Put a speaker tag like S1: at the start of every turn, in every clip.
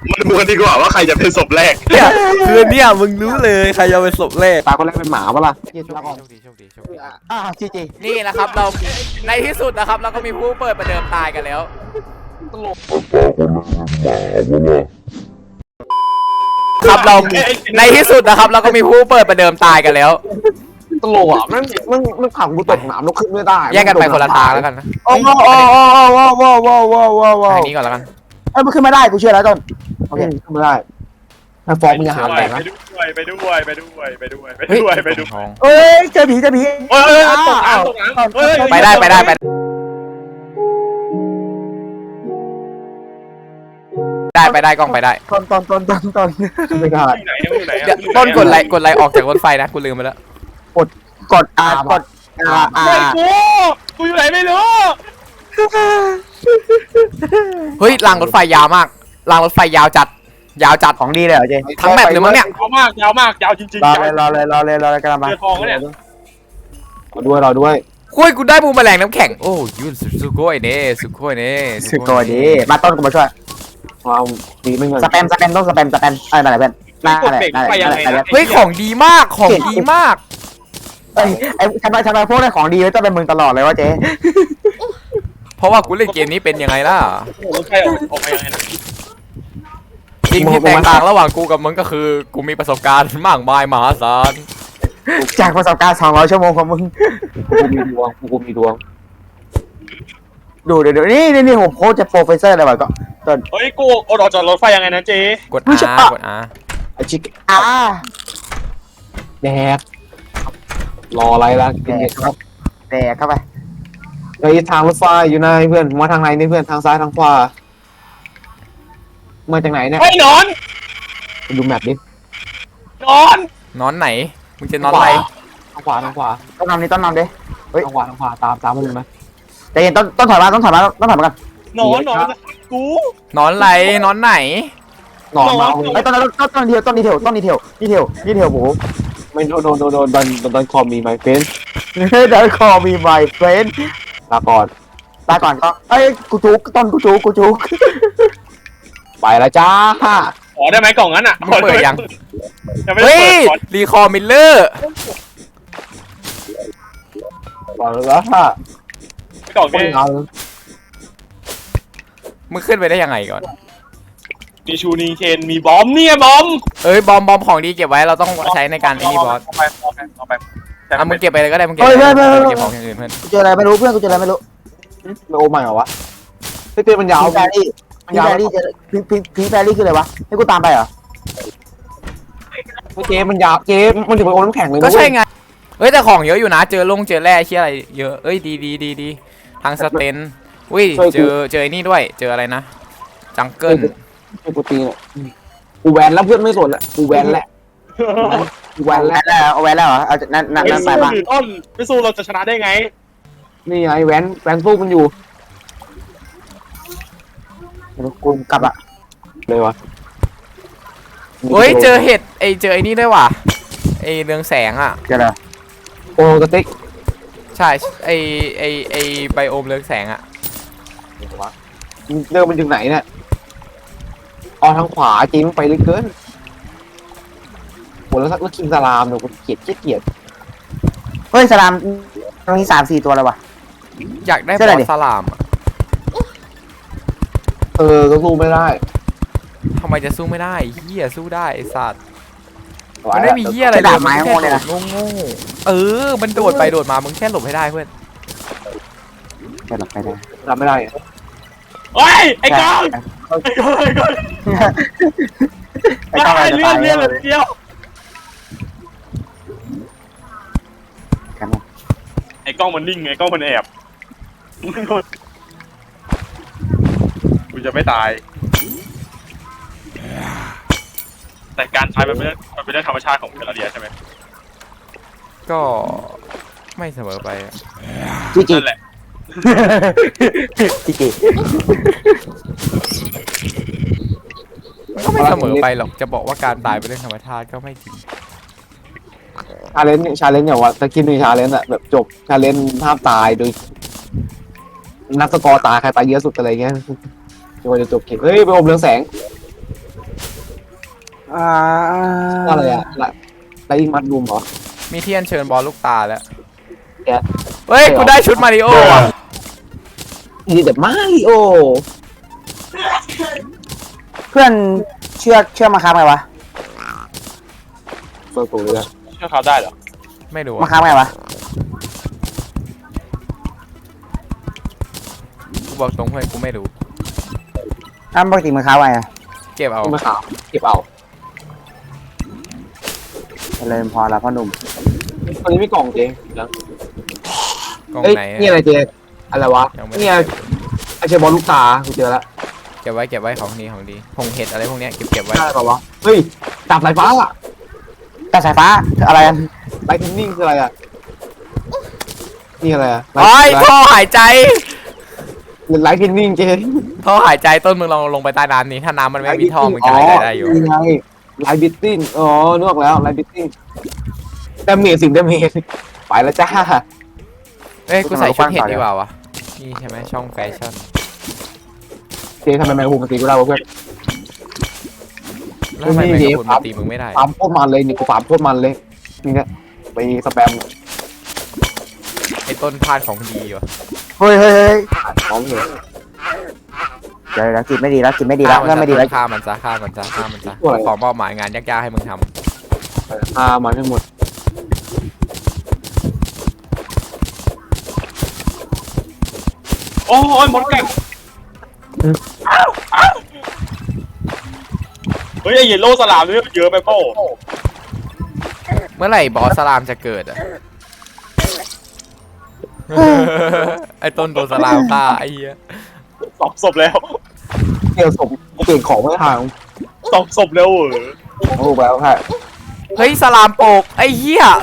S1: มันดูกันดีกว่าว่าใครจะเป็นศพแรก
S2: เนี่ยคือเนี่ยมึงรู้เลยใครจะเป็นศพแรก
S3: ตาคนแรกเป็นหมาปะล่ะ
S2: โชคดีโชคดีโชคดี
S3: จีจี
S2: นี่นะครับเราในที่สุดนะครับเราก็มีผู้เปิดประเดิมตายกันแล้วครับเราในที่สุดนะครับเราก็มีผู้เปิดประเดิมตายกันแล้ว
S3: ตลกอ่ะมันขังกูตกน้ำแล้วขึ้นไม่ได้
S2: แยกกันไปคนละทางแล้วกันนะ
S4: โอ้โหโอ้โหโอ้โหโอ้โหโอ้โหโอ้โห
S2: ทางนี้ก่อนแล้วกัน
S4: เอ้ยมันขึ้นไม่ได้กูเชื่อแล้วต้น
S3: โอเคขึ้นไม่ได้ถ้าฟองมึงจะหาแตกนะ
S1: ไปด้วยไปด้วยไปด้วยไปด้วยไปด้วย
S2: ทอง
S4: เอ้ยเจอผีเจอผี
S1: เฮ้ยตกน้ำตกน้ำเฮ้ย
S2: ไปได้ไปได้ไปได้ไปได้กล้องไปได้
S4: ต้น
S3: ไม่ได้
S1: ไหนอยู่ไหน
S2: เดี๋ยวต้นกดไลค์ออกจากรถไฟนะกูลืมไปแล้ว
S4: กดกด
S1: เฮ้ยกูอยู่ไหนไม่รู้
S2: เฮ้ยรางรถไฟยาวมากรางรถไฟยาวจัด
S4: ของดีเลยเหรอเจ
S2: ทั้งแมปเลยมั้งเนี่ย
S1: ยาวมากยาวจริง
S4: รอเลยกำลังมา
S1: เจอทองแล้วเนี่ย
S3: เราด้วย
S2: คุยกูได้บูมแมลงน้ำแข็งโอ้ยูนสุโกยเน่สุโกยเน่
S4: สึกตัวดีมาต้นกูมาช่วย
S3: ว้าวดีไม่เงิน
S4: สแปมต้องสแปมอะไรแบบน่าอะไร
S2: เฮ้ยของดีมากของดีมาก
S4: เอ้ยไอ้ทำไมพวกได้ของดีต้องเป็นมึงตลอดเลยวะเจ๊
S2: เพราะว่ากูเล่นเกมนี้เป็นยังไงล่ะ
S1: รถไฟออกมายังไงนะ
S2: สิ่งที่แตกต่างระหว่างกูกับมึงก็คือกูมีประสบการณ์มากมายมหาศาล
S4: จากประสบการณ์200 ชั่วโมงของมึง
S3: กูมีดวง
S4: ดูเดี๋ยวนี่ผมโค้ชจะโปรเฟสเซอร์อะไรวะก็ต้น
S1: เฮ้ยกูออกจากรถไฟยังไงนะเจ๊
S2: กด
S4: ไม่ใช่
S2: R กด R
S3: ไอชิค
S4: แดก
S3: รออะไรล่ะกินเด็กครับ
S4: แดกเข้าไป
S3: ในทางรถไฟอยู่ไหนเพื่อนมาทางไหนนี่เพื่อนทางซ้ายทางขวามาจากไหนเนี่ย
S1: เฮ้ยนอน
S3: ดูแมปดิ
S1: นอน
S2: นอนไหนมึงจะนอนอะไร
S3: ทางขวาทางขวา
S4: ต้นนำดิท
S3: างขวาตามมันเลยไหม
S4: ใจเย็นต้นถอยมากัน
S1: นอนกู
S2: นอนอะไรนอนไหน
S3: หนอนมา
S4: ไอ้ต้นดีเทลโห
S3: ไม่โดนคอมีไมเฟน
S4: เดี๋ยวคอมีไมเฟรน
S3: ลาก่อน
S4: ตาก่อนก็เอ้ยกูจุก
S3: ไปแล้วจ้า
S1: ขอได้ไหมกล่องนั้นอ่ะ
S2: มึงเปิดยัง
S1: ยังไม่
S2: เฮ้
S1: ได้
S2: ย
S1: เปิด
S2: รีคอร์มิลเลอร์
S3: ไปแล้วค่ะ
S1: กล่อง
S3: คน
S1: นี้
S3: เอา
S2: มึงขึ้นไปได้ยังไงก่อน
S1: มีชูนีเคนมีบอมเนี่ยบอม
S2: เอ้ยบอมของดีเก็บไว้เราต้องใช้ในการไอ้นี่บอส
S1: เอาไป
S2: อ่ะมึงเก็บไปเลยก็ได้มึงเก็บไปเก็บของอย่างอื่นเพื่อน
S4: กูเจออะไรไม่รู้เพื่อนกูเจออะไรไม่รู้
S3: โอ้ใหม่เหรอวะเต้มันยาว
S4: พิงแฟรี่พิงแฟรี่คืออะไรวะให้กูตามไปเหรอ
S3: เจ๊มันยาวเจ๊มันถึงไปโอน้ำแข็งเลย
S2: ก็ใช่ไงเฮ้ยแต่ของเยอะอยู่นะเจอเจอแร่เชี่ยอะไรเยอะเอ้ยดีทางสเตนอุ้ยเจอไอ้นี่ด้วยเจออะไรนะจังเกิล
S3: ไอ้กูตีเนี่ยกูแวนแล้วเพื่อนไม่สนละกูแวนแหละกูแวนแล้ว
S4: เอาไว้แล้วเหรอเอานั่นไปบ้าง
S1: ต้นไม่สู้เราจะชนะได้ไง
S3: นี่ไงแวนสู้มันอยู่
S4: กูกลับอะ
S3: เลยวะ
S2: เฮ้ยเจอเห็ดเจอไอ้นี่ด้วยว่ะไอ้เรืองแสงอ่ะ
S4: เจออะไร
S3: โอ้กระติก
S2: ใช่ไอไบโอมเรืองแสงอ่ะ
S3: เดินมันถึงไหนเนี่ยอ๋อทางขวาจริงไปเลยเกินโหแล้วคิงสลามเนี่ยกูเกลียด
S4: เฮ้ยสลามมี3-4 ตัวแล้ววะ
S2: อยากได้บ
S4: ใช่ไหม
S2: อ
S4: ดิ
S2: สสลามอะ
S3: ก็สู้ไม่ได้
S2: ทำไมจะสู้ไม่ได้เฮียสู้ได้ไอสัตว์มันไม่มีเฮียอะไรเลยมันแค่โดดโง่เออมันโดดไปโดดมามึงแค่หลบให้ได้เพื่อน
S4: จะหลับไปได้
S3: ทำไม่ได้
S1: เฮ้ยไอ้ก้องไอ้ก้อง
S4: ไอ้ก้องจะตาย
S1: เรื่องเลยเดียว
S4: กัน
S1: ไอ้กล้องมันนิ่งไอ้กล้องมันแอบกูจะไม่ตายแต่การตายมันเป็นเรื่องธรรมชาติของเทอร์เรียใช่ไหม
S2: ก็ไม่เสมอไปอะ
S4: จี
S1: นั่นแหละ
S4: จี
S2: มันก็ไม่เสมอไปหรอกจะบอกว่าการตายเป็นเรื่องธรรมชาติก็ไม่จริง
S3: ชาเลนจ์อย่างว่าตะกี้มีชาเลนจ์อะแบบจบชาเลนจ์ห้ามตายโดยนับสกอร์ตายใครตายเยอะสุดอะไรเงี้ยจนจะจบเกมเฮ้ยไปอมเรืองแสงอะไรอะไลท์มัดรูมเหรอ
S2: มีที่อัญเชิญบอลลูกตาแล้ว
S3: แกะ
S2: เฮ้ยกูได้ชุดมาริโอว่ะ
S3: นี่แต่มาริโอ
S4: เพื่อนเชื่อมาค้าไงวะ
S3: เฟิร์สกูเลย
S1: เชื่อเขาได้เหรอ
S2: ไม่รู้
S4: มาค้าไงวะ
S2: กูบอกตรงเพื่อนกูไม่รู้
S4: ปกติมาค้าไงอะ
S2: เก็บเอา
S3: มาขาวเก็บเอา
S4: เลยพอแล้วพ่อหนุ่ม
S3: ตอนนี้มีกล่องเจ๊นะ
S2: กล่อง
S3: เอ้ย
S2: ไหน
S3: นี่อะไรเจ๊อะไรวะ
S2: ยังไม่ได้
S3: เนี่ยไอเชบอลลูกตากูเจอแล้ว
S2: เก็บไว้ของดีผงเห็ดอะไรพวกเนี้ยเก็บไว้
S3: ได้ป่าวะเฮ้ยดาบสายฟ้าอะ
S4: แต่สายฟ้าอะไรกัน
S3: ไลท์เทนนิ่งคืออะไรอะนี่อะไรอะ
S2: โอ้ยท่อหายใจ
S3: ไลท์เทนนิ่งเจ๊
S2: ท่อหายใจต้นมึงลองลงไปใต้น้ำนี้ถ้าน้ำมันไม่มีท่อมึงจะหายใจได้อยู่
S3: นี่ไงไลท์บิตติ้งอ๋อนึกออกแล้วไลท์บิตติ้งดาเมจ10 ดาเมจไปแล้วจ้า
S2: เอ้ยกูใส่ชุดเห็ดดีกว่าวะนี่ใช่ไหมช่องแฟชั่น
S3: เจ๊ทำไมแมงมุมมันตีกูได้วะเพื่อน
S2: แล้วทำไม
S3: นี่
S2: แมง
S3: เดี๋
S2: กะ
S3: ยว
S2: พรุนมาตีมึงไม่ได้
S3: ฟาร์มโคตรมันเลยนี่กูฟาร์มโคตรมันเลยนี่เนี่ยไปสแปม
S2: ไอ้ต้นพาดของดีวะ
S4: เฮ้ย
S3: ของเหรอ
S4: เดี๋ยวจิตไม่ดีแล้วจิตไม่ดีแล้วเริ่มไม่ดีแล้ว
S2: ฆ่ามันซะขอมอบหมายงานยากๆให้มึงทำ
S3: พามาทั้งหมด
S1: โอ้ยมดกัดเฮ้ยไอเยลโล่สลามนี่เยอะไปเปล่า
S2: เมื่อไหร่บอสสลามจะเกิดอ่ะ ไอ้ต้นโดนสลามฆ่าไอ้เหี้ย
S1: สองศพแล้ว
S3: เกี่ยวศพเปลี่ยนของไม่ทาง
S1: สองศพแล้วเหรอ
S3: โอ้แล้วค่ะ
S2: เฮ้ยสลามโปกไอ้เหี้ย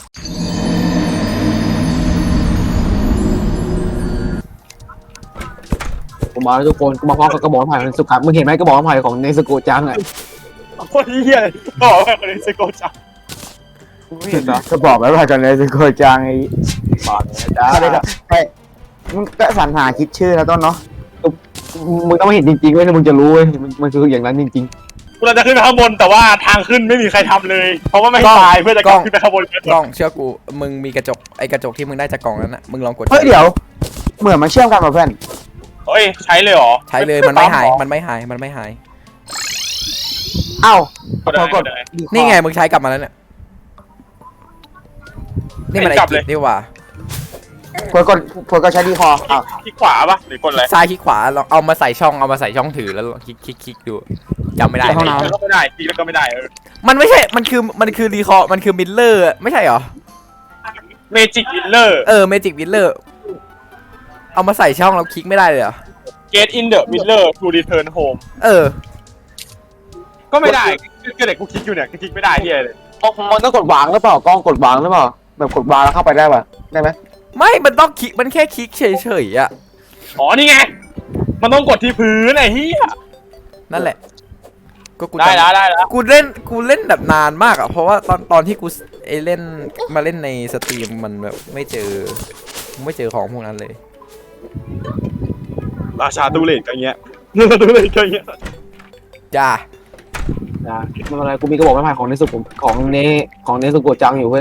S3: กูมาแล้วทุกคนกูมาพร้อมกับกระบอกไม้ของสุกัดมึงเห็นไหมกระบอกไม้ของเนสโกจังอ่ะ
S1: โคตรเหี้ยเลยบอกว่าคนนี้สโกจัง
S3: ไม่เห็นนะ
S4: ก็บอกแล้วว่ากันเลยสิโกจังไอ้
S3: บาดเนี่ยจ้า
S4: อะไรกันไปมึงก็สรรหาคิดชื่อแล้วต้นเนาะ
S3: มึงต้องมาเห็นจริงๆเว้ยมึงจะรู้เว้ยมันคืออย่างนั้นจริง
S1: กูเราจะขึ้นไปข้างบนแต่ว่าทางขึ้นไม่มีใครทำเลย เพราะว่าไม่ตายเพื่อจะขึ้นไปข้างบนกัน
S2: กล้องเชื่อกูมึงมีกระจกไอ้กระจกที่มึงได้จากกล่องนั้นน่ะมึงลองกด
S4: เฮ้ยเดี๋ยวเหมือนมันเชื่อมกันมาเพื่อน
S1: เฮ้ยใช้เลยเหรอ
S2: ใช้เลยมันไม่หาย
S4: เอ้า
S1: ก็ได้
S4: พอกด
S2: นี่ไงมึงใช้กลับมาแล้วเนี่ยนี่มันไอ้กิจนี่หว่า
S4: พอกดใช้ดีคออ้าว
S1: ที่ขวาปะหรือกดอะไร
S2: ซ้ายคลิกขวาลองเอามาใส่ช่องถือแล้วลองคลิกดูจำไม่ได้
S1: แล้วก็ไม่ได้ทีแล้วก็ไม่ได้
S2: มันไม่ใช่มันคือรีคอร์มันคือมิลเลอร์ไม่ใช่เหรอ
S1: เมจิกวิลเลอร์
S2: เมจิกมิลเลอร์เอามาใส่ช่องแล้วคลิกไม่ได้เลยเหรอ
S1: Get in the Miller to return home ก็ไม่ได้ก็เด็กกูคลิกอยู่เนี่ยคลิกไม่ได้ที่เลย
S3: ๆมันต้องกดวางหรือเปล่ากล้องกดวางหรือเปล่าแบบกดวางแล้วเข้าไปได้ป่ะได้ไหม
S2: ไม่มันต้องคลิกมันแค่คลิกเฉยๆอ่ะ
S1: อ๋อนี่ไงมันต้องกดที่พื้นไอ้เหี้ย
S2: นั่นแหละก็กู
S1: ได้แล้ว
S2: กูเล่นแบบนานมากอ่ะเพราะว่าตอนที่กูเล่นมาเล่นในสตรีมมันแบบไม่เจอของพวกนั้นเลย
S1: ราชาตูเลตอย่างเงี้ยตูเลตอย่างเงี้ย
S2: จ้า
S3: ไม่เป็นไรกูมีกระบอกไม้ของเนสโกของเนสโกจังอยู่เพื่อน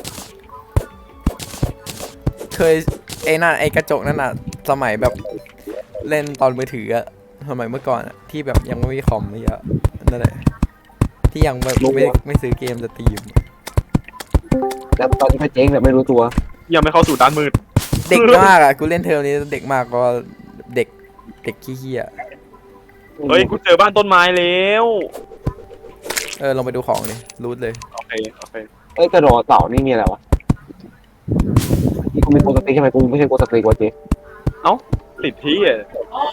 S2: เคยไอ้นั่นไอ้กระจกนั่นน่ะสมัยแบบเล่นตอนมือถืออะสมัยเมื่อก่อนอะที่แบบยังไม่มีคอมไม่เยอะนั่นแหละที่ยังแบบไม่ซื้อเกมสตรีม
S3: แล้วตอนนี้ก็เจ๊งแบบไม่รู้ตัว
S1: ยังไม่เข้าสู่ด้านมืด
S2: เด็กมากอะกูเล่นเทอมนี้เด็กมากก็เด็กขี้เหี้ย
S1: เฮ้ยกูเจอบ้านต้นไม้แล้ว
S2: ลองไปดูของดิรูทเลย
S1: โอเค
S3: เอ้ยกระโดดเต่านี่มีอะไรวะกูมีโกสติกใช่ไหมกูไม่ใช่โกสติกวะเจ๊
S1: ติดที่อ่ะ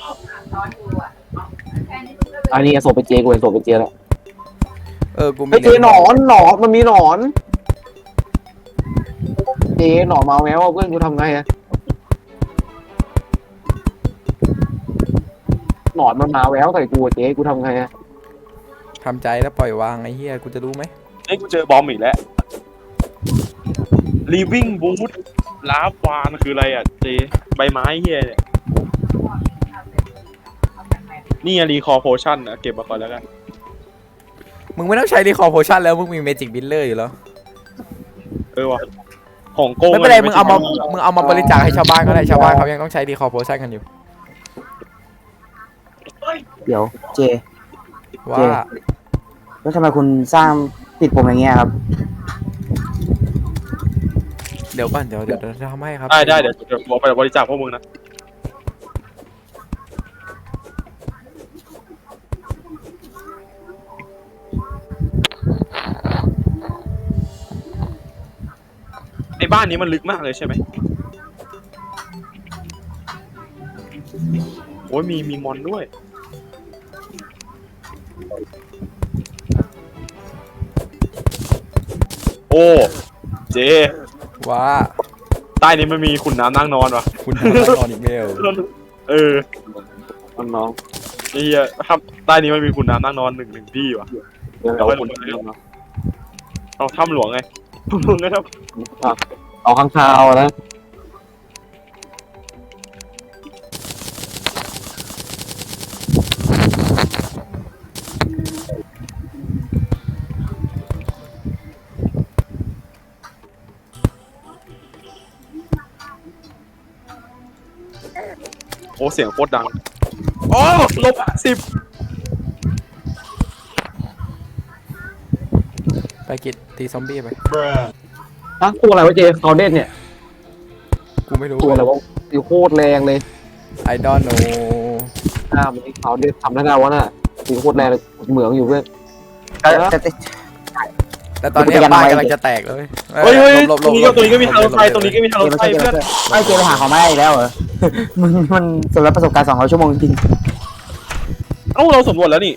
S3: อันนี้ส่งไปเจกูเห็นส่งไปเจแล้ว
S2: กูมี
S3: เฮ้ยเจหนอนมันมีหนอนเจหนอนมาแมวเพื่อนกูทำไงอะหนอนมันมาแววใส่กูเจ๊กูทำไงอะ
S2: ทำใจแล้วปล่อยวางไอ้เหี้ยกูจะรู้ไหม
S1: เฮ้ยกูเจอบอมอีกแล้ว living wood ลาฟวานคืออะไรอ่ะเจใบไม้เฮียเนี่ยนี่รีคอร์โพชั่นนะเก็บมาก่อนแล้วกัน
S2: มึงไม่ต้องใช้รีคอร์โพชั่นแล้วมึงมีเมจิกบิลเลอร์อยู่แล้ว
S1: ว่ะของโกง
S2: ไม่เป็นไรมึงเอามาบริจาคให้ชาวบ้านก็ได้ชาวบ้านเขายังต้องใช้รีคอร์โพชั่นกันอยู่
S4: เดี๋ยวเจ
S2: ว่า
S4: แล้วทำไมคุณสร้างติดผมอย่างเงี้ยครับ
S2: เดี๋ยวก่อนเดี๋ยวจะทำให้ครับ
S1: ได้เดี๋ยวบอกไปบริจาคพวกมึงนะไอ้บ้านนี้มันลึกมากเลยใช่ไหมโอ้ยมีมอนด้วยโอ้เจ
S2: ว่า
S1: ใต้นี้มันมีขุนน้ำนั่งนอนวะ
S2: คุณทำได้นอนอีกเมล
S3: น้อง
S1: ไอ้เหี้ยครับใต้นี้มันมีขุนน้ำนั่งนอนหนึ่งที่วะ
S3: เดี๋ยว
S1: เดี๋ยว
S3: เรา
S1: ไปขุนเอาถ้ำหลวงไงถ้ำหลวงไงครับ
S3: เอาข้างคาวนะ
S1: โอ้เสียงโคตรดังโอ้-10
S2: ไปกิดตีซอมบี้ไป
S3: ตัวอะไรวะเจเขาเด่นเนี่ย
S2: กูไม่รู้
S3: ตัวอะไรวะอยู่โคตรแรงเลย
S2: ไอดอนโน
S3: มันเขาเด่นทำได้ไงวะน่ะอยู่โคตรแรงเลยเหมืองอยู่เพื่อน
S2: แต่ตอนนี้บ้านกำลังจะแตกเลย
S1: เฮ้ย
S2: หลบ
S1: ตรงนี้ก็มีทางรถไฟตรงนี้ก็มีทางรถไฟเพื่อน
S4: ไม่เจไปหาของไม่ได้อีกแล้วเหรอ มันสำหรับประสบการณ์200 ชั่วโมงจริง
S1: เอ้าเราสำรวจแล้วนี่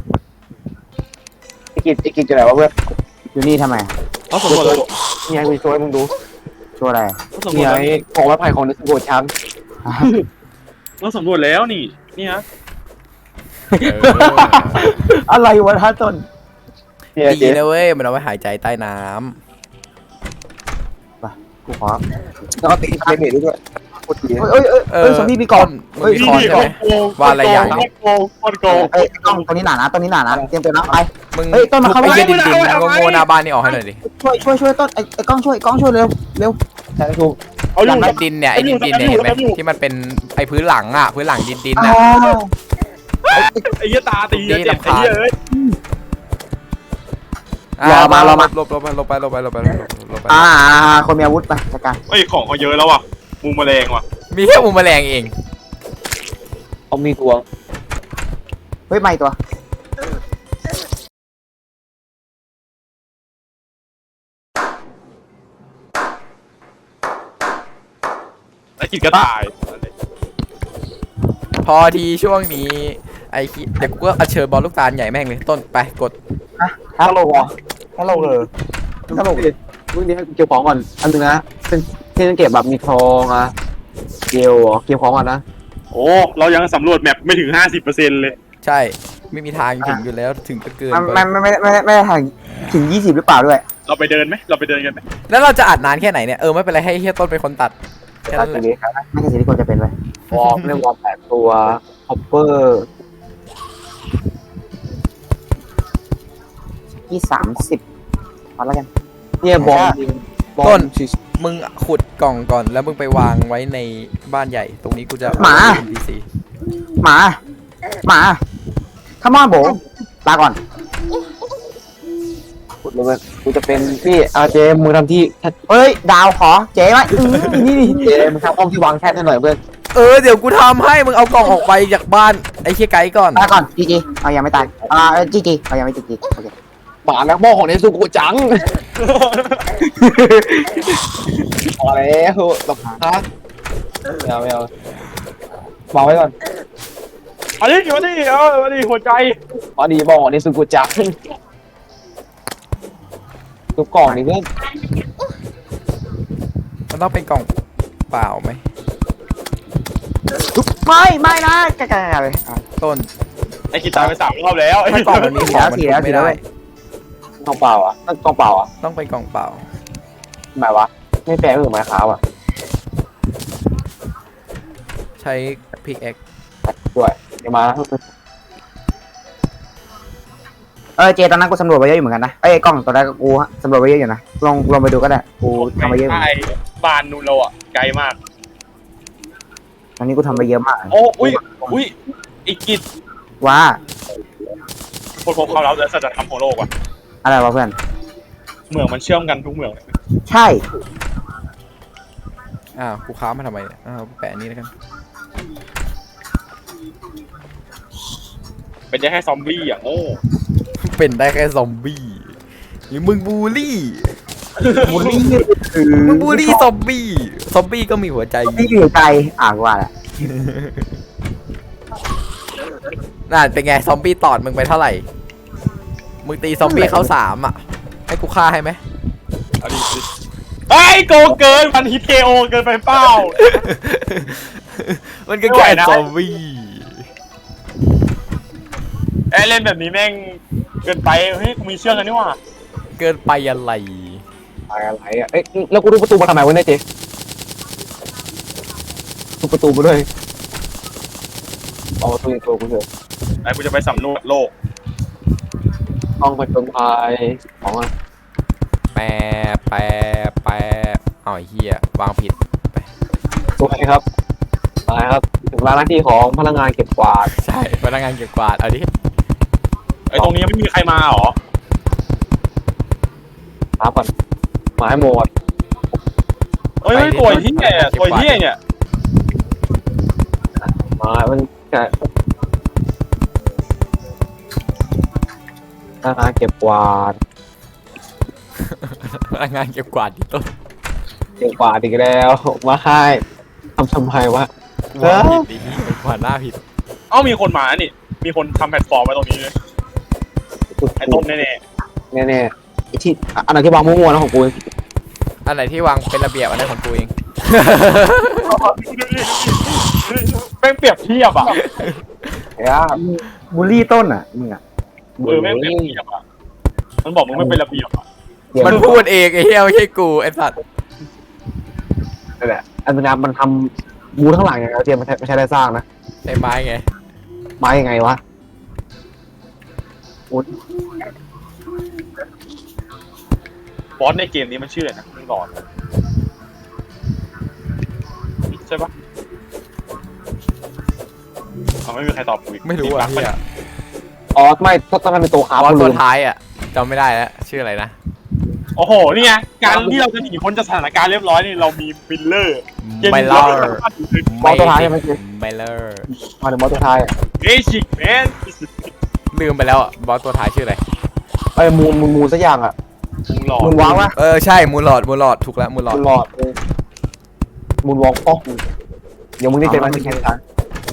S3: ไอ้กิจจะไหนวะเพื่อน
S4: อยู่นี่ทำไม
S1: เราสำรวจแล้ว
S3: นี่ไงกูช่วยมึงดู
S4: ช่วยอะไร
S1: เราสำร
S3: นี่
S1: วจ
S3: ไง
S1: แล้ว
S3: ของไม้ไผ่ของนิสโกช้าง
S1: เราสำรวจแล้วนี่ฮะ
S4: อะไรวะท่าต้น
S3: เนี่ยเจ
S2: ดีนะเว้ยมันเอาไว้หายใจใต้น้
S4: กูขอ
S3: แล้วก็ติดเบรดด้วยโคตรดี
S4: เอ้ย
S2: ำ
S4: ซอมบี้มีกล่อง
S2: มึงมีคอนใช่ไหม ว่าอะไรอย่างนี้
S1: โกงโกง
S4: เอ้ยกล้องตัวนี้หนานะตัวนี้หนานะเตรียมตัวนะไป
S2: มึง
S4: เฮ้ยต้นมาเข้า
S2: ไอ้
S4: มา
S2: เหี้ยดินโง่ๆหน้าบ้านนี่ออกให้หน่อยดิ
S4: ช่วยต้นไอ้กล้องช่วยเร็ว
S3: ใช่ถูก
S1: เอาอยู่
S2: ไอ้ดินเนี่ยไอ้ดินเนี่ยเห็นไหมที่มันเป็นไอ้พื้นหลังอ่ะพื้นหลังดินอ่ะ
S1: ไอ้เหี้ยตาตีเจ็บไอ้เหี้ยเอ้ย
S2: รอมาลบไป
S4: คนมีอาวุธไปจัดการ
S1: เฮ้ยของเขาเยอะแล้วว่ะมูแมลงว่ะ
S2: มีแค่มุมแมลงเอง
S3: เขามีทวง
S4: เฮ้ยไม่ตัว
S1: ไอ้กิจก็ตาย
S2: พอทีช่วงนี้ไอ้เดี๋ยวกูก็เชิญบอลลูกตาลใหญ่แม่งเลยต้นไปกด
S3: ฮัลโหลฮัลโหลเลยฮัลโหลมึงนี่ให้กูเก็บของก่อนอันนึงนะเป็นที่เก็บแบบมีทองอะเก็บของก่อนนะ
S1: โอ้เรายังสำรวจแมปไม่ถึง 50%เลย
S2: ใช่ไม่มีทางถึงอยู่แล้วถึงจะเกินไป
S4: ไม่ได้ถึง20หรือเปล่าด้วย
S1: เราไปเดินไหมเราไปเดินกันไหม
S2: แล้วเราจะอัดนานแค่ไหนเนี่ยไม่เป็นไรให้เฮียต้นเป็นคนตัดแค่
S3: ตั
S2: นั้
S3: ด
S2: นแห
S3: ที
S2: ละ
S3: นี้
S4: ไม่ใช่สิ่งที่ควรจะเป็นไว้
S3: วอร์มเรียกวอร์ม8ตัวฮอปเปอร์
S4: ที่30พอแล้วกัน
S3: เนี่ยบอม
S2: ต้นมึงขุดกล่องก่อนแล้วมึงไปวางไว้ในบ้านใหญ่ ตรงนี้กูจะ NPC
S4: หมาขมอนโบลาก่อน
S3: ขุดเลยกูจะเป็นพี่อาเจมึงทำที่
S4: เฮ้ยดาวขอเจ๊ไหมนี่
S3: เจมึงทำห้องที่วางแท่นให้หน่อยเพื่อน
S2: เดี๋ยวกูทำให้มึงเอากล่องออกไปจากบ้านไอ้เฮียไกด์ก่อน
S4: ตายก่อนจีเอายังไม่ตายจีเอายังไม่จีโอเค
S3: หมาแล้วหม้อของเนซูกุจังพอแล้วแบบฮะไม่เอาวางไว้ก่อน
S1: อันนี้อยู่นี่อันนี้หัวใจ
S3: อ๋อดีบอกเนซูกุจังทุกกล่องนี่เพื่อน
S2: มันต้องเป็นกล่องเปล่าไหม
S4: ไม่นะกะเลย
S2: ต้น
S1: ไอ้กิจตายไป3 รอบแล้ว
S2: ถ้ากล่องมันมีของมันทุบไม่ได้
S3: กล่องเปล่าอ่ะกล่องเปล่าอ่ะ
S2: ต้องเป็นกล่องเปล่า
S3: หมายวะไม่แปลเหมือนไม้ขาวอ่ะ
S2: ใช้พิกแอค
S3: ด้วยเดี๋ยวมา
S4: เจตอนนั้นกูสำรวจไปเยอะอยู่เหมือนกันนะไอ้กล้องตอนแรกกูสำรวจไปเยอะอยู่นะลองไปดูก็ได้กูทำไปเยอะอยู่
S1: ใช่บ้านนูนเราอ่ะไกลมาก
S4: ตอนนี้กูทำไปเยอะมาก
S1: โอ้อุ้ยอีกกิจ
S4: ว่า
S1: คนพบความลับและสัจธรรมของโลกว่ะ
S4: อะไรวะเพื่อน
S1: เหมืองมันเชื่อมกันทุกเหมืองเลย
S4: ใช่
S2: กูค้ามาทำไมเนี่ยกูแปะอันนี้แล้วกัน
S1: เป็นได้แค่ซอมบี้อ่ะโง่
S2: เป็นได้แค่ซอมบี้หรือมึงบูลลี่
S4: บูลลี่คือ
S2: มึงบูลลี่ซอมบี้ซอมบี้ก็มีหัวใจ
S4: ที่อยู่ใจว่าแหละ
S2: น่าเป็นไงซอมบี้ตอดมึงไปเท่าไหร่มึงตีซอมบี้เขา3อ่ะให้กูฆ่าให้ไหม
S1: เอาดิไอ้โกเกินพันฮิตเคโอเกินไปเป้า
S2: มันก็แค่ซอมบี้
S1: เล่นแบบนี้แม่งเกินไปเฮ้ยกูมีเชื่อกันนี่หว่า
S2: เกินไปอะไร
S3: อะไรอ่ะเอ้ยแล้วกูดูประตูมาทำไมวะเนี่ยเจ๊ดูประตูมาด้วยเอาประตูในตัวกูเถอะ
S1: ไอ้กูจะไปสำรวจโลก
S3: ต้องไปจนภัยของอ่ะ
S2: แปเอาไอ้เหี้ยวางผิด
S3: สวยครับอะไรครับถึงเวลาหน้าที่ของพนักงานเก็บกวาด
S2: ใช่พนักงานเก็บกวาดเอาดิ
S1: ไอ้ตรงนี้ยังไม่มีใครมาหรอ
S3: หาก่อนมาให้หมด
S1: เอ้ยตัวเฮี้ยตัวเฮี้ยเนี่ย
S3: มามันแค่พนักงานเก็บกวาด
S2: พนักงานเก็บกวาดที่ต้น
S3: เก็บกวาดอีกแล้วมาให้ทำไมวะ
S2: วางผิดดิกวาดหน้าผิด
S1: เอ้ามีคนมานี่มีคนทำแพลตฟอร์มไว้ตรงนี้เลยไอ้ต้มแน่
S3: แน่ๆที่อันไหนที่วางมั่วๆนะของกู
S2: อันไหนที่วางเป็นระเบียบอันนั้นของกูเอง
S1: ๆแม่งเปรียบเทียบอ่ะ
S4: บูลลี่ต้นอ่ะมึงอ่ะ
S1: แม่งเปรียบเทียบอ่ะมันบอกมึงไม่เป็นระเบียบอ่ะ
S2: มันพูดเองไอ้เหี้ยไม่ใช่กูไอ้สัตว์
S3: นั่นแหละอันนี้มันทำบูทั้งหลังอย่างเดียวเจมไม่ใช่ได้สร้างนะ
S2: ใช้ไม้ไง
S3: มายังไงวะ
S1: บอสในเกมนี้มันชื่ออะไรนะมึงหลอนใช่ปะไม่มีใครตอบกูอีก
S2: ไม่รู้อ่ะเหี้ย
S3: อ๋อไม่ต้องเป็นตัวขา
S2: บอส
S3: ลื
S2: ตัว
S3: ม
S2: ท้ายอ่ะจำไม่ได้แล้วชื่ออะไรนะ
S1: โอ้โหนี่ไงการที่เราจะหนีพ้นจากสถานการณ์เรียบร้อยนี่เรามีฟิลเลอร์
S2: ไม่เล่า
S3: บอสตัวท้ายใช่ไหมเจ
S2: ไม่เลอร์
S3: มาถึงบอสตัวท้าย
S1: เบสิกแมน
S2: ลืมไปแล้วอ่ะบอสตัวท้ายชื่ออะไร
S3: ไอ้มูสักอย่างอ่ะ
S1: มึงหลอน
S3: มูนวางวะ
S2: ใช่มูลหลอดถูกแล้วมูลหลอด
S3: มูนหลอดมูนวองป๊อกเดี๋ยวมึงได้เจอมันจะแข่งขัน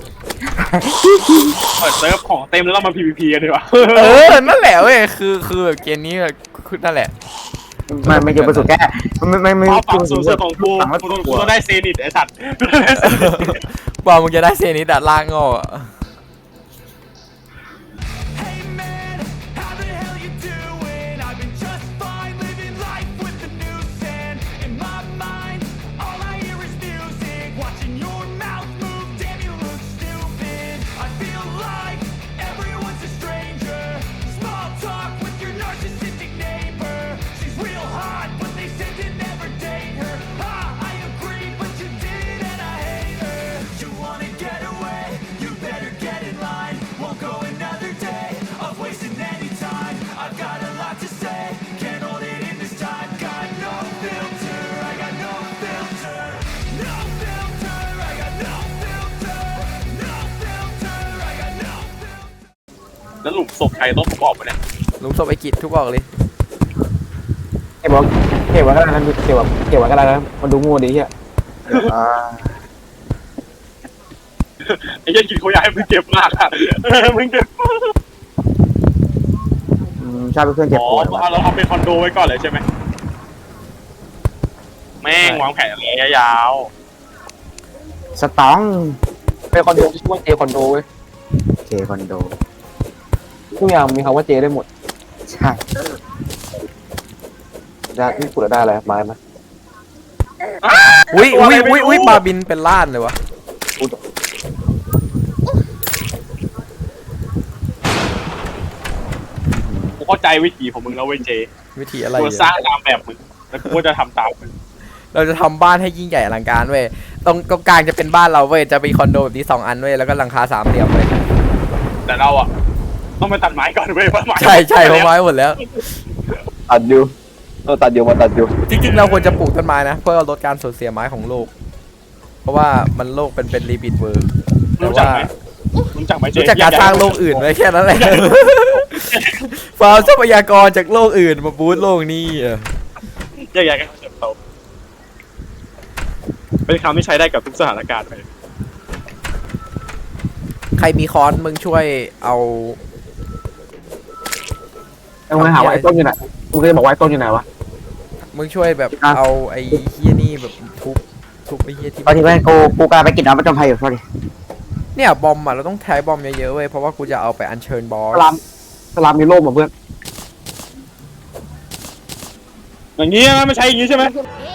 S1: เปิดเซิร์ฟของเต็มแล้วเรามา PVP กันดีกว่า
S2: นั่นแหละเว้ยคือแบบเกมนี้คือนั่นแหละ
S4: ไม่จะประสบแค่ไม่
S1: เอาฝั่งสูงสุดของกูกูต้องได้เซนิตไอ้สัตว์
S2: กว่ามึงจะได้เซนิดอะล่างงออะ
S5: Hey man, how the hell you doing? I've been just fine, living life with the noose and in my mind, all I hear is music. Watching your mouth move, damn you look stupid. I feel like everyone's a stranger. Small talk with your narcissistic neighbor. She's real hot, but they said to never date her. I agree, but you did and I hate her. You wanna get away? You better get in line. Won't go another day of wasting any time. I've got a lot to say, can't hold it in this time. Got no filter, I got no filter. No filter, I got no filter. No filter, I got no filter.
S1: แล้วหลุมศพใครต้องประกอบไปเนี่ย
S2: ลุงศพไอกิจทุกออกเลย
S3: เก็บไว้ก็ได้นะเก็บไว้ก็ได้นะมันดูงูดีเฮีย
S1: ไอ้ยันกินเขาอยากให้มึงเก็บมากอะมึงเก็บ
S4: ชอบเป็นเพื่อนเจ็บ
S1: อ๋อ
S4: ปวด
S1: เราทำเป็นคอนโดไว้ก่อนเลยใช่ไหมแม่งวางแผนระยะยาว
S4: สตอง
S3: เป็นคอนโดที่ชื่อว่าเจคอนโดเว้ย
S4: เจคอนโด
S3: ทุกอย่างมีคำว่าเจได้หมด
S4: ใช่
S3: ได้นี่กูได้อะไรไม้ไหม
S2: อุ้ยปลาบินเป็นล้านเลยวะ
S1: เข้าใจวิธีของมึงแล้วเว้ยเจ
S2: วิธีอะไร
S1: กู
S2: อะ
S1: สร้างตามแบบมึงแล้วกูก็จะทำตามมึง
S2: เราจะทำบ้านให้ยิ่งใหญ่อลังการเว้ยตรงกลางจะเป็นบ้านเราเว้ยจะมีคอนโดแบบนี้2 อันเว้ยแล้วก็หลังคา3 เหลี่ยมเว้ย
S1: แต่เราอ่ะต้องไปตัดไม้ก่อนเว้ยเพราะไม้
S2: ใช่เพราะไม้หมดแล้ว
S3: ตัดอยู่ตัดอยู่มาตัดอยู่
S2: จริงๆเราควรจะปลูกต้นไม้นะเพื่อลดการสูญเสียไม้ของโลก เพราะว่ามันโลกเป็นรีบิทเวิร์ แต่
S1: รู้จัก
S2: ว่า
S1: ไหมรู้จักไหมเจ
S2: รู้จักการสร้างโลกอื่นไว้แค่นั้นแหละ ฟาร์มทรัพยากรจากโลกอื่นมาบูสต์โลกนี้อะ
S1: แยกย้ายกันเติบโตเป็นคำที่ใช้ได้กับทุกสถานการณ์เลย
S2: ใครมีค้อนมึงช่วยเอา
S3: มึงหาว่าไอ้ต้นอยู่ไหนมึงเคยบอกว่าไอ้ต้นอยู่ไหนวะ
S2: มึงช่วยแบบเอาไอ้เฮียนี่แบบทุบไอ้เฮียที่
S4: ตอนที่เพื่อนกูกำลังไปกินน้ำประจำภัยอยู่ sorry
S2: เนี่ยบอมอ่ะเราต้องใช้บอมเยอะๆเว้ยเพราะว่ากูจะเอาไปอัญเชิญบอส
S3: สลามมีโล่มาเพื่อน
S1: อย่างนี้นะไม่ใช่อย่างนี้ใช่ไหม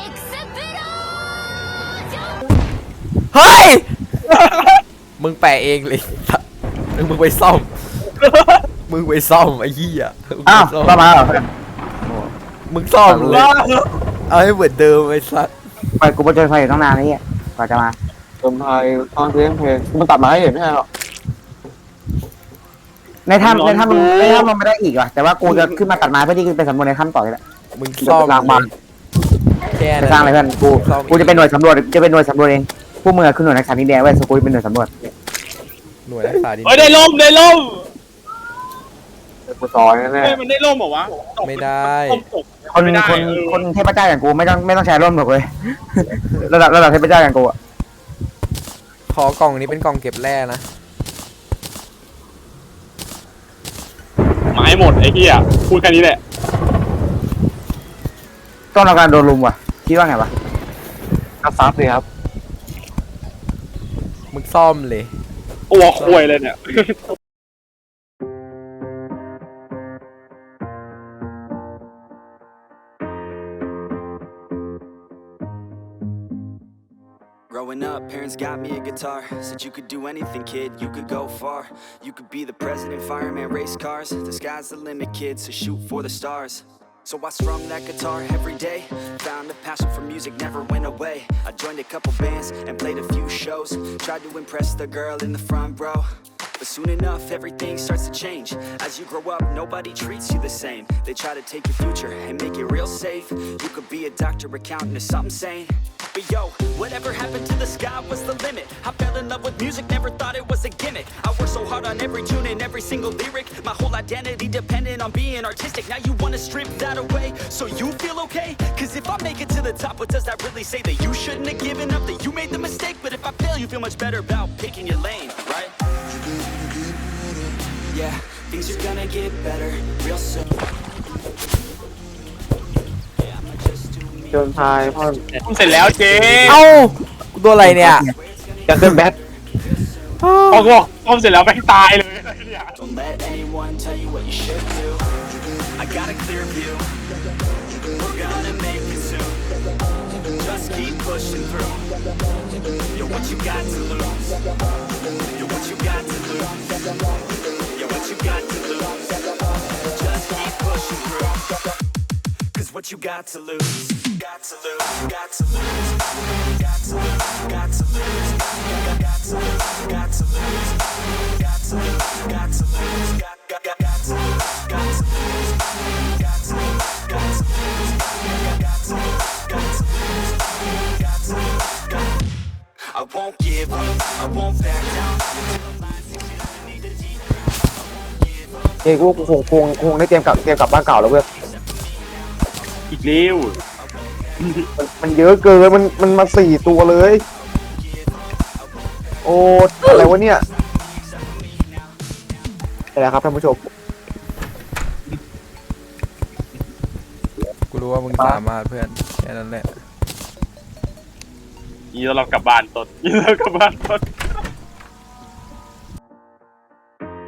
S2: เฮ้ย มึงแปะเองเลย มึงไปซ่อม มึงไปซ่อมไอ้เหี้ย
S4: อ้าวต่อมาเหรอ
S2: มึงซ่อมเลย เอาให้เหมือนเดิมไอ้สัส
S4: ไปกูประจำภัยอยู่ตั้งนานนี่กว่าจะมา
S3: เติมไทยตอนเพลงมันตัดมาให้เห็นไม่ใช่หรอ
S4: ในถ้ำมันไม่ได้อีกว่ะแต่ว่ากูจะขึ้นมาตัดไม้เพื่อที่จะไปสำรวจในถ้ำต่อเลยแหละ
S2: มึงซ่อมเลยแค่
S4: จะ
S2: นั้น
S4: สร้างอะไรเพื่อนกูจะเป็นหน่วยสำรวจจะเป็นหน่วยสำรวจเองพวกมึงอะคือหน่วยนักสัตว์ดินแดงเว้ยสกูเป็นหน่วยสำรวจ
S2: หน่วยรักษาดิน
S1: เฮ้ยได้ล่มได้ล่ม
S3: กูซอยแน่
S1: เฮ้ยมันได้ล่มเหรอวะ
S2: ไม่ได้
S1: ล่มตก
S4: คน
S1: ไม่ได้
S4: คนเทพเจ้าอย่างกูไม่ต้องใช้ร่มหรอกเว้ย ระดับเทพเจ้าอย่างกูอะ
S2: ขอกล่องนี้เป็นกล่องเก็บแร่นะ
S1: ไม้หมดไอ้เหี้ยพูดแค่นี้แหละ
S4: ต้องเราการโดนลุมว่ะคิดว่าไงวะ
S3: ก็ซับเลยครับ
S2: มึงซ่อมเลย
S1: ตัวควยเลยเนี่ย
S5: Growing up, parents got me a guitar. Said you could do anything, kid, you could go far. You could be the president, fireman, race cars. The sky's the limit, kid, so shoot for the stars. So I strummed that guitar every day. Found a passion for music, never went away. I joined a couple bands and played a few shows. Tried to impress the girl in the front row. But soon enough, everything starts to change. As you grow up, nobody treats you the same. They try to take your future and make it real safe. You could be a doctor, accountant, or something sane. But yo, whatever happened to the sky was the limit. I fell in love with music, never thought it was a gimmick. I worked so hard on every tune and every single lyric. My whole identity depended on being artistic. Now you wanna strip that away, so you feel okay? Cause if I make it to the top, what does that really say? That you shouldn't have given up, that you made the mistake? But if I fail, you feel much better about picking your lane, right? Yeah, things are gonna get better real soon.
S3: เติมไทยพ่อ
S1: เสร็จแล้วเจ๊
S2: เอ้ากูตัวอะไรเนี่ย
S3: จะขึ้นแบท
S1: พอกูบอกต้มเสร็จแล้วแม่งตายเลยเนี่ย
S5: Don't let anyone tell you what you should do. I got a clear view. We're gonna make it soon. Just keep pushing through. You're what you got to lose. You're what you got to lose. You're what you got to lose. Just keep pushing through. Cause what you got to lose. Got to lose. Got to lose. Got to lose. Got to lose. Got to lose. Got to lose. Got to lose. Got to lose. Got to lose. Got to lose. Got to lose. Got to lose. Got to lose. Got to lose. Got to lose. I won't give up. I won't back down. Until the last exit I need to deep. I won't give up.
S3: เฮ้ยกูคงได้เตรียมกลับบ้านเก่าแล้วเพื่อน
S1: อีกเร็ว
S3: มันเยอะเกินมันมา4 ตัวเลย โอ้อะไรวะเนี่ยไปแล้วครับท่านผู้ชม
S2: กูรู้ว่ามึงสามารถเพื่อนแค่นั้นแหละ
S1: นี่เรากลับบ้านต้นนี่เรากลับบ้านต้น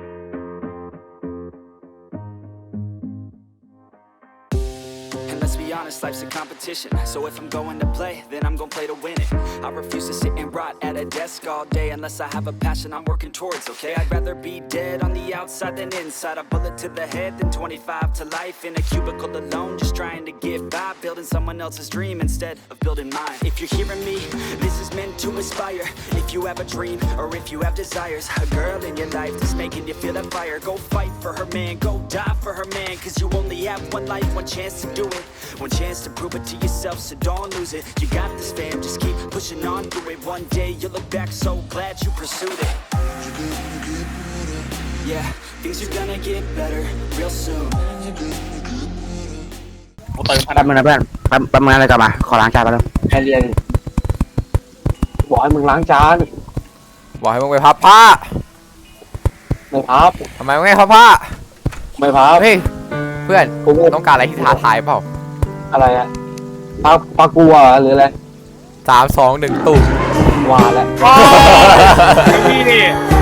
S5: And let's be honest, life's a competition. So if I'm going to play, then I'm gonna play to win it. I refuse to sit and rot at a desk all day unless I have a passion I'm working towards, okay? I'd rather be dead on the outside than inside. A bullet to the head than 25 to life in a cubicle alone, just trying to get by, building someone else's dream instead of building mine. If you're hearing me, this is meant to inspire. If you have a dream or if you have desires, a girl in your life that's making you feel that fire, go fight for her, man, go die for her, man, cause you only have one life, one chance to do it, one chance to prove it to yourself, so don't lose it. You got this, fam, just keep pushing on through it. One day you'll look back so glad you pursued it. Yeah, things are gonna get better real soon.
S1: กูเติมพลั
S4: แป๊
S1: ง
S4: บนึงนะเพื่อนแป๊บนึงอะไรกลับมาขอล้างจานแป๊บนึง
S3: ให้เรียนบอกให้มึงล้างจาน
S2: บอกให้มึงไปพับผ้า
S3: ไม่พับ
S2: ทำไมมึงไม่พับผ้า
S3: ไม่พับ
S2: เฮ้ยเพื่อน
S3: กูไม่
S2: ต้องการอะไรที่ท้าทายเปล่า
S3: อะไรอะปลากลัวหรืออะไร
S2: 3 2 1ตุ่ม
S3: ว่าแล้ว
S1: พี่นี่